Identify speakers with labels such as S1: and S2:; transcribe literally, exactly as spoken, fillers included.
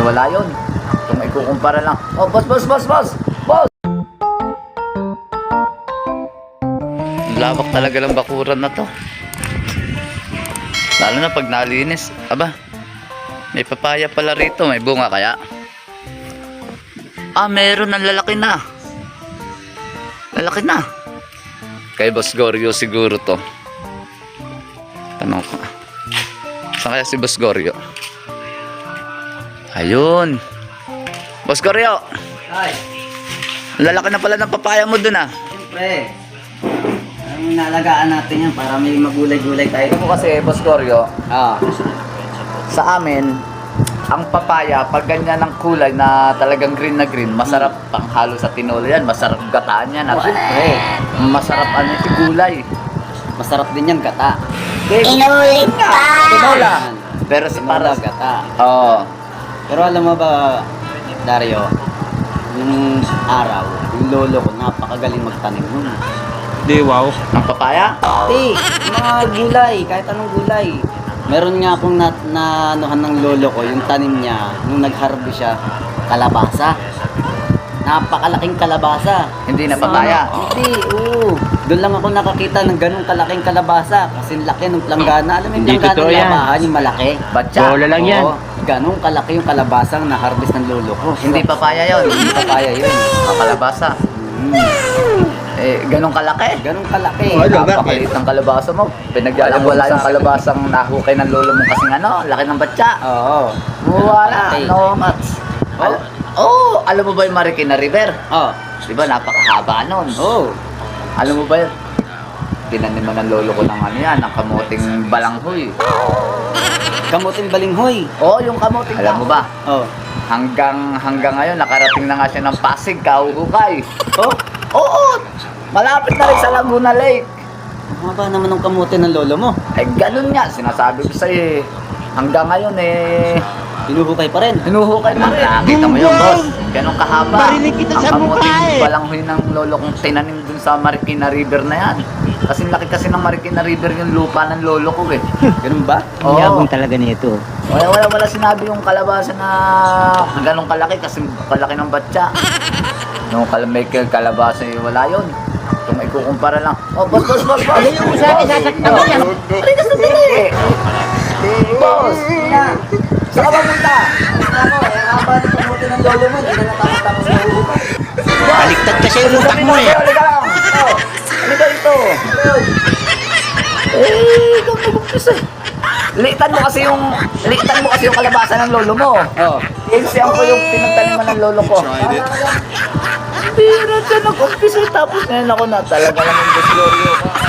S1: wala yun. Kung ikukumpara lang. Oh, boss, boss, boss, boss! Boss! Lawak talaga lang bakuran na to. Lalo na pag nalinis. Aba, may papaya pala rito. May bunga kaya? Ah, meron ng lalaki na. Lalaki na. Kay Boss Goryo siguro to. Tanong ko. Saan kaya si Boss Goryo? Ayun. Boss Goryo.
S2: Ay,
S1: Lalaki na pala ng papaya mo dun ah.
S2: siyempre. Ang nalagaan natin yan para may magulay-gulay tayo.
S1: Ito mo kasi Boss Goryo,
S2: Ah,
S1: sa amin, ang papaya, pag ganyan ng kulay na talagang green na green, masarap pang halo sa tinola yan. Masarap gataan yan. At
S2: siyempre.
S1: masarap ano yung gulay.
S2: Masarap din yan gata.
S1: Inulit ka! Tinola. Pero sa para...
S2: Para gata.
S1: Oo.
S2: Pero alam mo ba, Dario, yung araw, yung lolo ko, napakagaling magtanim nun.
S3: Di, wow.
S1: Ang papaya?
S2: Hindi, mga gulay, kahit anong gulay. Meron nga akong na, na anuhan ng lolo ko, yung tanim niya, nung nag-harvest siya, kalabasa. Napakalaking kalabasa.
S1: Hindi na papaya?
S2: Ano, hindi, oo. Doon lang ako nakakita ng ganung kalaking kalabasa. Kasi laki ng planggana. Alam mo yung
S3: Hindi
S2: planggana
S3: totoo
S2: ng
S3: yan.
S2: labahan, yung malaki.
S1: Batya?
S3: Bola lang yan.
S2: Oo, ganung kalaki yung kalabasang na-harvest ng lolo ko.
S1: Hindi papaya yun.
S2: Hindi papaya yun.
S1: Ang kalabasa.
S2: Mm.
S1: Eh, ganong kalaki.
S2: Ganung kalaki.
S3: Oh, ano ba?
S1: Napakaliit ng kalabasa mo. Pinagyalang wala yung kalabasang nahukay ng lolo mo kasing ano, laki ng batya.
S2: Oo.
S1: Wala,
S2: Okay.
S1: no mats. Al- oh, alam mo ba yung Marikina River?
S2: Oh.
S1: Di ba, napakahaba nun.
S2: Oh.
S1: Alam mo ba yun? Tinaniman ng lolo ko ng ano yan, ng kamuting balanghoy.
S2: Kamuting balinghoy.
S1: Oo, oh, yung kamuting Alam mo ba?
S2: Oh.
S1: Hanggang hanggang ngayon, nakarating na nga siya ng Pasig, kahuhukay.
S2: Oh.
S1: Oo, malapit na rin sa Laguna Lake.
S2: Ang haba naman ng kamuti ng lolo mo.
S1: Eh, ganun nga, sinasabi ko sa'yo eh. Hanggang ngayon eh,
S2: Hinuhukay pa rin.
S1: hinuhukay pa rin. Nakita mo yun, boss. Ganun kahaba.
S3: Barinig kita sa
S1: Ang
S3: mukha
S1: kamuting
S3: eh.
S1: balanghoy ng lolo kong tinanim dun sa Marikina River na yan. Kasi laki kasi ng Marikina River yung lupa ng lolo ko eh.
S2: Ganun ba?
S1: Oo.
S3: Yabang talaga nito.
S1: Wala, wala, wala sinabi yung kalabasa na ganun kalaki kasi kalaki ng batya. Nung kal may kalabasa eh, wala yun. Kung ikukumpara lang. Oh, boss, boss, boss, boss.
S3: Ano yung sabi, sasaktan mo yan?
S1: Pari ka sandali. Boss, saan ka ba punta?
S2: Ako, eh, ang haba ng kamuti ng lolo mo. Hindi na natapos-tapos na huhukay.
S3: Baliktad kasi yung utak mo eh.
S1: Halika lang. Oh, halika dito. Eh, ikaw nag-umpisa. Liitan mo kasi yung liitan mo kasi yung kalabasa ng lolo mo.
S2: Oh.
S1: Insiyan ko yung pinagtaniman ng lolo ko. Bira siya nag-umpisa tapos ngayon ako na talaga lang yung Boss Glorio.